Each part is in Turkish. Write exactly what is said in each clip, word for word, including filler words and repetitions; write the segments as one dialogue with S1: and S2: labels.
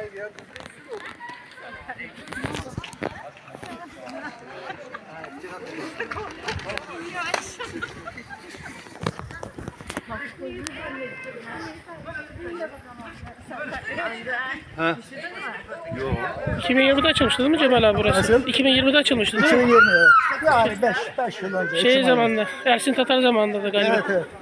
S1: Ha.
S2: iki bin yirmide açılmıştı değil mi Cemal abi burası?
S3: Nasıl?
S2: iki bin yirmide açılmıştı değil mi?
S3: iki bin yirmi evet. Yani beş beş yıl önce.
S2: Şey
S3: Ekim
S2: zamanında, Ersin Tatar zamanında da
S3: ayında.
S2: galiba.
S3: Evet evet.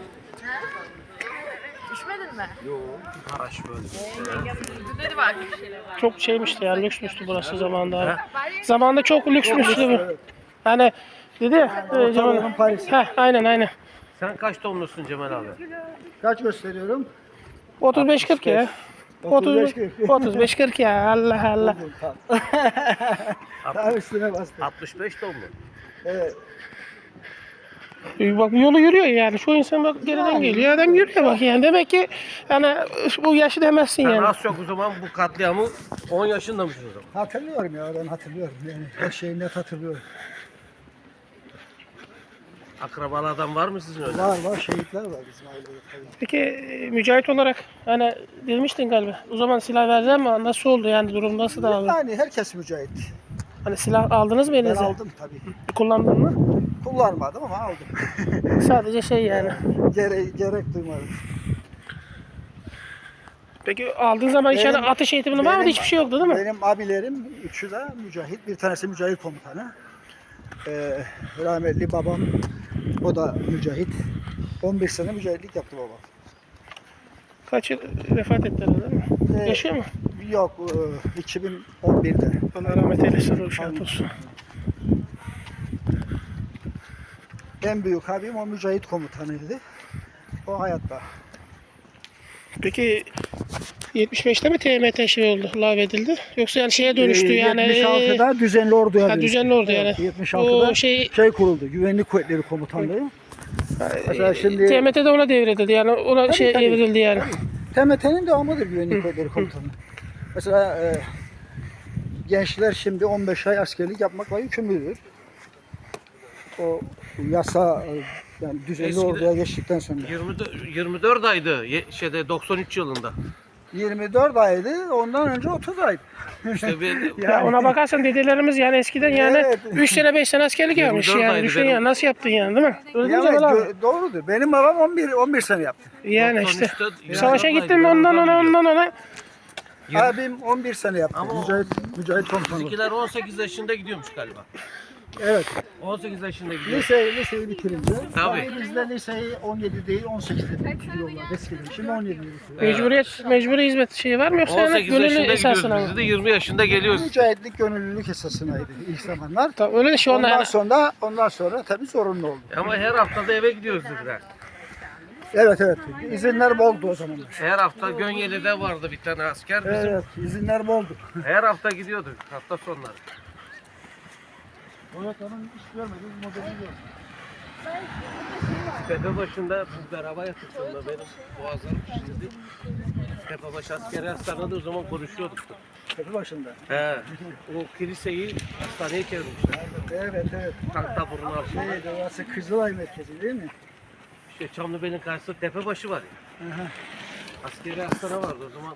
S4: İçmedin mi?
S1: Haraç böyle.
S4: Dedi var bir şeyler.
S2: Çok şeymişti ya, lüksmüştü burası zamanında abi. Zamanında çok lüksmüştü bu. Hani dedi ya, e, Cemal
S3: Ortadoğu'nun Paris'i.
S2: Heh, aynen aynen.
S1: Sen kaç doğumlusun Cemal abi?
S3: Kaç gösteriyorum?
S2: otuz beş kırk ya.
S3: otuz beş
S2: otuz
S3: kırk.
S2: otuz beş kırk ya, Allah Allah.
S3: Tam üstüne bastım.
S1: altmış beş doğumlu.
S3: Evet.
S2: E, Bak yolu yürüyor yani. Şu insan bak geriden geliyor. Adam yürüyor bak yani. Demek ki hani bu yaşı demezsin
S1: Sen
S2: yani.
S1: az çok o zaman bu katliamı on yaşında mısın o zaman?
S3: Hatırlıyorum ya ben hatırlıyorum. Yani her şeyi net hatırlıyorum.
S1: Akrabalardan var mı sizin öyle?
S3: Var var şehitler var bizim ailede tabii.
S2: Peki e, mücahit olarak hani demiştin galiba. O zaman silah verdiler mi? Nasıl oldu yani, durum nasıl da abi?
S3: Yani herkes mücahit.
S2: Hani silah aldınız mı
S3: Ben
S2: elinize?
S3: aldım tabii.
S2: Kullandın mı?
S3: Kullanmadım ama aldım.
S2: Sadece şey yani.
S3: Gere gerek duymadım.
S2: Peki aldığın zaman içeride
S3: Benim-
S2: atış eğitimi var mıydı? Hiçbir şey yoktu değil mi?
S3: Benim abilerim üçü de mücahit. Bir tanesi mücahit komutanı. Ee, rahmetli babam o da mücahit. on bir sene mücahitlik yaptı babam.
S2: Kaç yıl vefat ettiler değil mi?
S3: Ee,
S2: Yaşıyor mu?
S3: Yok e, iki bin on birde.
S2: Allah rahmet eylesin. Ruhu şad olsun.
S3: En büyük abim o mücahit komutanıydı. O hayatta.
S2: Peki yetmiş beşte mi T M T şey oldu, lağvedildi? Yoksa yani şeye dönüştü
S3: Ee,
S2: yani.
S3: yetmiş altıda düzenli orduya
S2: Ha,
S3: dönüştü.
S2: düzenli ordu yani.
S3: Evet, yetmiş altıda
S2: O şey-
S3: şey kuruldu. Güvenlik Kuvvetleri Komutanlığı. Mesela şimdi
S2: T M T'de ona devredildi yani, ona
S3: Tabii,
S2: şey
S3: tabii.
S2: evrildi yani.
S3: T M T'nin devamıdır Güvenlik Kuvvetleri Komutanlığı. Mesela e, gençler şimdi on beş ay askerlik yapmakla yükümlüdür. O yasa e, yani düzenli
S1: Eskiden-
S3: orduya geçtikten sonra.
S1: yirmi dört, yirmi dört aydı ye- şeyde doksan üç yılında.
S3: yirmi dört aydı, ondan önce otuz aydı.
S1: İşte bir,
S2: Ya ona bakarsan dedelerimiz yani eskiden yani
S3: Evet.
S2: üç sene beş sene askerlik
S1: yirmi
S2: yapmış
S1: dört
S2: yani.
S1: aydı
S2: Düşün
S1: benim.
S2: ya, nasıl yaptın yani, değil mi? Öyle değil mi
S3: Yani,
S2: Cemal abi?
S3: gö- doğrudur. Benim babam on bir on bir sene yaptı.
S2: Yani işte.
S1: doksan üçte yirmi
S2: Savaşa
S1: dört
S2: gittin mi
S1: aydı,
S2: ondan
S1: ben
S2: ona
S1: biliyorum.
S2: ondan ona.
S1: Yirmi-
S3: Abim on bir sene yaptı.
S1: Ama o-
S3: mücahit mücahit komutanı.
S1: Bizimkiler on sekiz yaşında gidiyormuş galiba.
S3: Evet.
S1: on sekiz yaşında gidiyor.
S3: Lise, liseyi bitirince.
S1: Tabii.
S3: Yani bizde liseyi on yedi değil on sekizde bitiriyorlar eskiden. Şimdi on yedi bitiriyor.
S2: Mecburiyet, mecburi hizmet şeyi var mı yoksa
S1: on
S2: yani
S1: sekiz
S2: gönüllü
S1: yaşında
S2: esasına
S1: gidiyoruz.
S2: mı?
S1: Biz de yirmi yaşında geliyoruz.
S3: Mücahitlik gönüllülük esasınaydı ilk zamanlar.
S2: Tabii öyle de şu anda
S3: Ondan
S2: yani.
S3: sonra ondan sonra tabii zorunlu oldu.
S1: Ama her hafta da eve gidiyoruz dediler.
S3: Evet evet. İzinler boldu o zamanlar.
S1: Her hafta Gönyeli'de vardı bir tane asker. Bizim
S3: Evet, izinler boldu.
S1: her hafta gidiyorduk hafta sonları.
S3: Evet, onun hiç görmedim, modelini gördüm.
S1: Tepe başında biz beraber yattık sonra benim boğazlarım şişirdi. Tepebaşı askeri hastanede o zaman konuşuyorduk.
S3: Tepe başında.
S1: He, o kiliseyi hastaneye çevirmişler.
S3: Evet evet.
S1: Tank taburunun altında.
S3: Şey, orası Kızılay merkezi değil mi?
S1: İşte Çamlıbel'in karşısında Tepebaşı var ya.
S3: Aha.
S1: Askeri hastane vardı o zaman.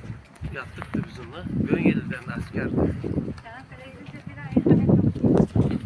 S1: Yattık da bizimle. Gönyeli'den de askerdi.